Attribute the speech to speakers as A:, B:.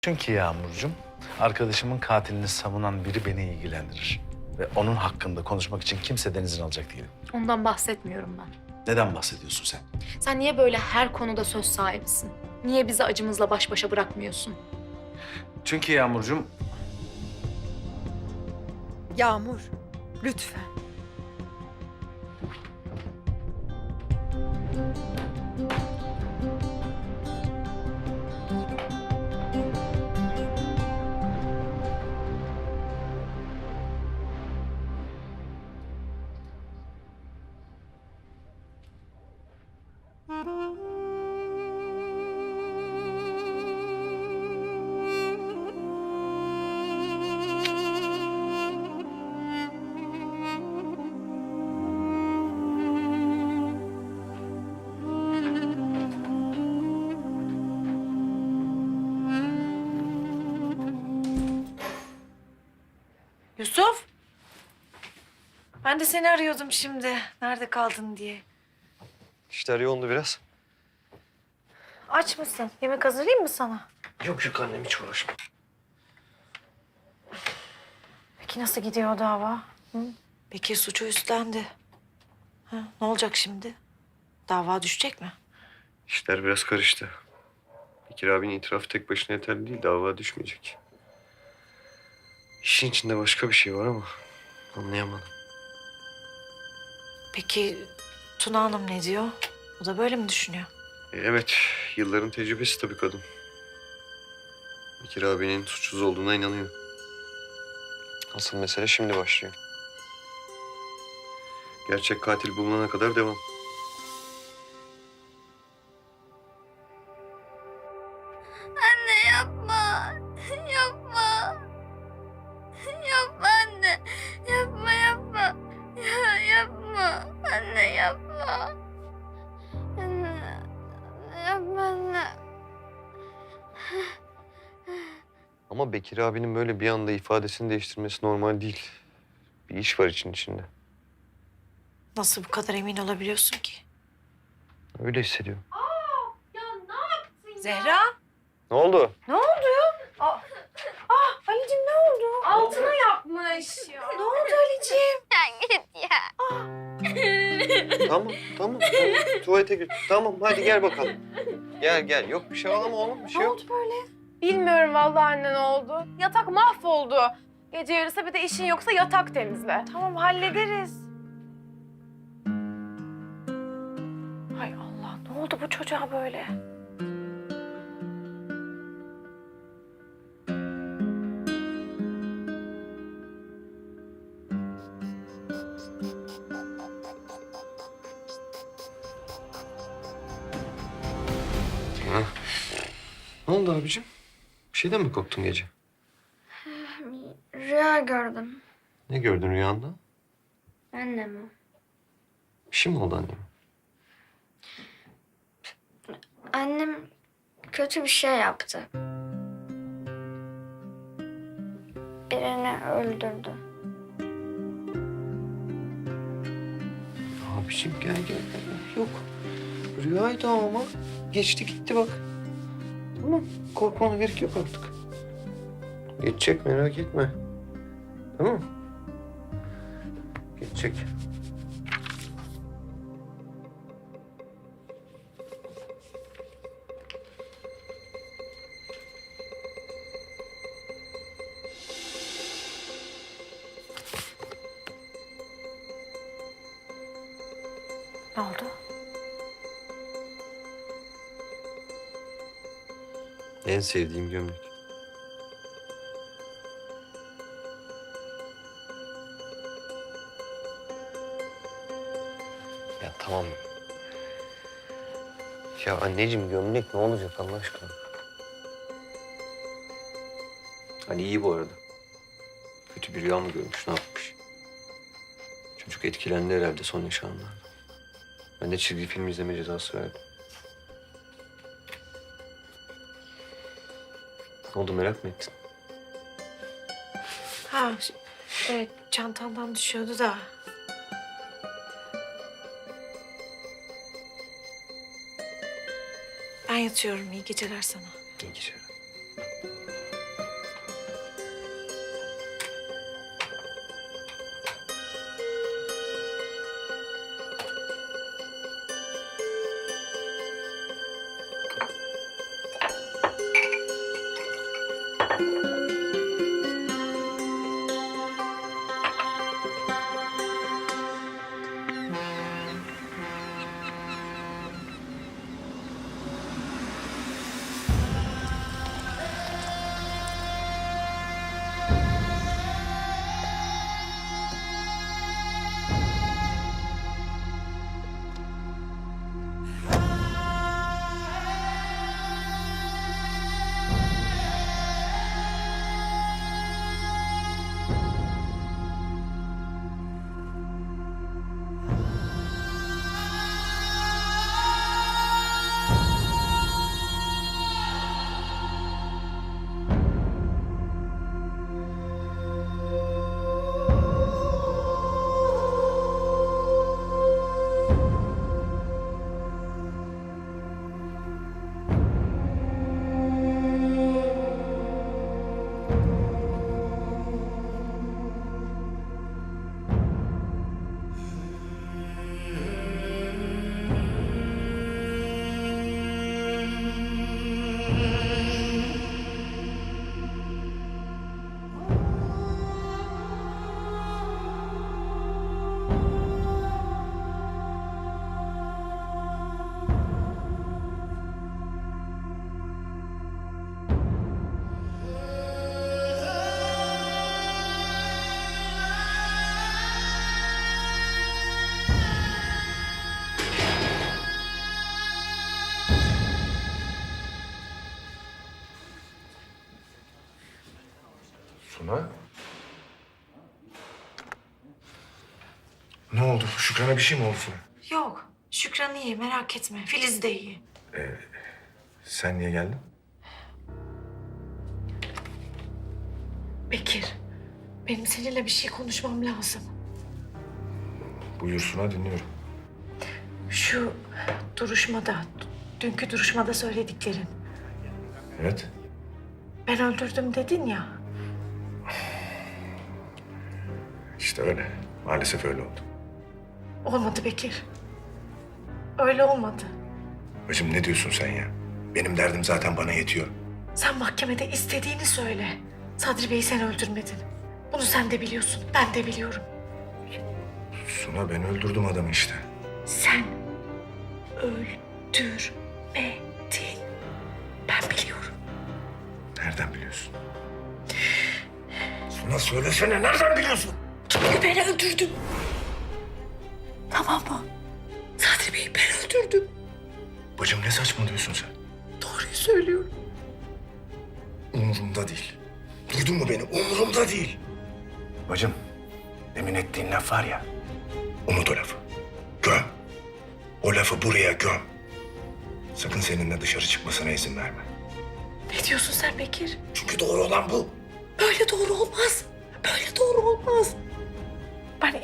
A: Çünkü Yağmurcuğum, arkadaşımın katilini savunan biri beni ilgilendirir. Ve onun hakkında konuşmak için kimseden izin alacak değilim.
B: Ondan bahsetmiyorum ben.
A: Neden bahsediyorsun sen?
B: Sen niye böyle her konuda söz sahibisin? Niye bizi acımızla baş başa bırakmıyorsun?
A: Çünkü Yağmurcuğum,
C: Yağmur, lütfen.
D: Yusuf. Ben de seni arıyordum şimdi. Nerede kaldın diye.
E: İşler yoğundu biraz.
D: Aç mısın? Yemek hazırlayayım mı sana?
E: Yok annem hiç uğraşma.
D: Peki nasıl gidiyor o dava? Hı? Bekir suçu üstlendi. Ha, ne olacak şimdi? Dava düşecek mi?
E: İşler biraz karıştı. Bekir abinin itirafı tek başına yeterli değil. Dava düşmeyecek. İşin içinde başka bir şey var ama anlayamadım.
D: Peki Tuna Hanım ne diyor? O da böyle mi düşünüyor?
E: Evet, yılların tecrübesi tabii kadın. Bekir abinin suçsuz olduğuna inanıyor. Asıl mesele şimdi başlıyor. Gerçek katil bulunana kadar devam.
F: Anne yapma. Yapma. Yapma anne. Yapma yapma. Yapma. Anne yapma. Anne. Yapma anne.
E: Ama Bekir abinin böyle bir anda ifadesini değiştirmesi normal değil. Bir iş var içinde.
D: Nasıl bu kadar emin olabiliyorsun ki?
E: Öyle hissediyorum.
D: Zehra.
E: Ne oldu?
D: Ali'cim ne oldu?
F: Altına yapmış.
D: Ne oldu Ali'cim?
F: Ya git ya.
E: Tamam. Tuvalete gir. Tamam hadi gel bakalım. Gel. Yok bir şey ağlama oğlum bir şey
D: Ne
E: yok.
D: oldu böyle?
G: Bilmiyorum vallahi anne ne oldu. Yatak mahvoldu. Gece yarısı bir de işin yoksa yatak temizle.
D: Tamam hallederiz. Hay Allah ne oldu bu çocuğa böyle?
E: Ne oldu abicim? Bir şeyden mi korktun gece?
F: Rüya gördüm.
E: Ne gördün rüyanda?
F: Annemi.
E: Bir şey mi oldu anneme?
F: Annem kötü bir şey yaptı. Birini öldürdü.
E: Abicim gel. Yok. Rüyaydı ama. Geçti gitti bak. Tamam. Korkmana gerek yok artık. Geçecek merak etme. Tamam mı? Geçecek.
D: Ne oldu?
E: En sevdiğim gömlek. Ya tamam. Ya anneciğim gömlek ne olacak Allah aşkına? Hani iyi bu arada. Kötü bir rüya mı görmüş, ne yapmış? Çocuk etkilendi herhalde son yaşananlarda. Ben de çizgi film izleme cezası verdim. Ne oldu merak mı ettin?
D: Ha, evet çantandan düşüyordu da. Ben yatıyorum. İyi geceler sana.
E: İyi geceler.
H: Suna? Ne oldu? Şükran'a bir şey mi oldu Suna?
D: Yok. Şükran iyi, merak etme. Filiz de iyi.
H: Sen niye geldin?
D: Bekir, benim seninle bir şey konuşmam lazım.
H: Buyur Suna, dinliyorum.
D: Şu duruşmada, dünkü duruşmada söylediklerin.
H: Evet.
D: Ben öldürdüm dedin ya.
H: İşte öyle. Maalesef öyle oldu.
D: Olmadı Bekir. Öyle olmadı.
H: Bacım ne diyorsun sen ya? Benim derdim zaten bana yetiyor.
D: Sen mahkemede istediğini söyle. Sadri Bey'i sen öldürmedin. Bunu sen de biliyorsun, ben de biliyorum.
H: Suna ben öldürdüm adamı işte.
D: Sen öldürmedin. Ben biliyorum.
H: Nereden biliyorsun? Suna söylesene, nereden biliyorsun?
D: Çünkü ben öldürdüm. Tamam mı? Sadri Bey'i ben öldürdüm.
H: Bacım ne saçmalıyorsun sen?
D: Doğruyu söylüyorum.
H: Umurumda değil. Duydun mu beni? Umurumda değil. Bacım, demin ettiğin laf var ya. Unut o lafı. Göm. O lafı buraya göm. Sakın seninle dışarı çıkmasına izin verme.
D: Ne diyorsun sen Bekir?
H: Çünkü doğru olan bu.
D: Böyle doğru olmaz. Böyle doğru olmaz.